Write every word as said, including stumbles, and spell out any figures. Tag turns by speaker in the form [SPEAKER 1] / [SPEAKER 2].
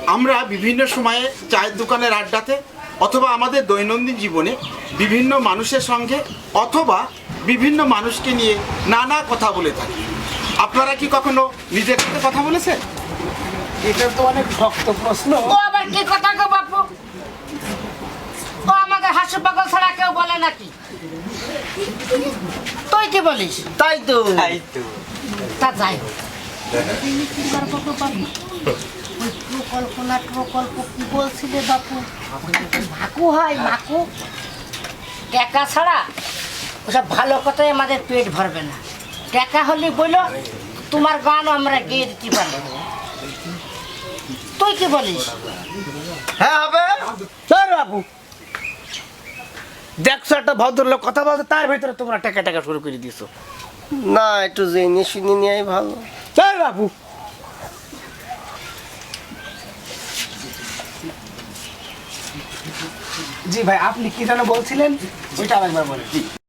[SPEAKER 1] আমরা বিভিন্ন সময়ে চায়ের দোকানের আড্ডাতে অথবা আমাদের দৈনন্দিন জীবনে বিভিন্ন মানুষের সঙ্গে অথবা বিভিন্ন মানুষকে নিয়ে নানা কথা বলে থাকি। আপনারা কি কখনো নিজের সাথে কথা বলেছেন?
[SPEAKER 2] এটা তো অনেক শক্ত প্রশ্ন।
[SPEAKER 3] ও আবার কি কথা গো বাপু? ও আমাদের হাসু পাগল ছাড়া কেউ বলে নাকি? তুই কি বলিস?
[SPEAKER 2] তাই তো
[SPEAKER 4] তাই তো
[SPEAKER 3] তা যাই হোক, কি করবো গো বাপু? ওই প্রকল্প না প্রকল্প কি বলছিলে বাপু? মাকু হয় মাকু, টাকা ছাড়া ওসব ভালো কথাই আমাদের পেট ভরবে না। টাকা হলে বলো তোমার গানও আমরা গেয়ে দিতে পারবো। তুই কি বলিস?
[SPEAKER 2] হ্যাঁ হবে। স্যার বাবু দেখছো একটা ভদ্রলোক কথা বলতে, তার ভিতরে তোমরা টাকা টাকা শুরু করে দিছো।
[SPEAKER 4] না, একটু জেনে শুনে নেওয়াই ভালো।
[SPEAKER 2] স্যার বাবু জি ভাই, আপনি কি যেন বলছিলেন ওইটা আরেকবার বলেন।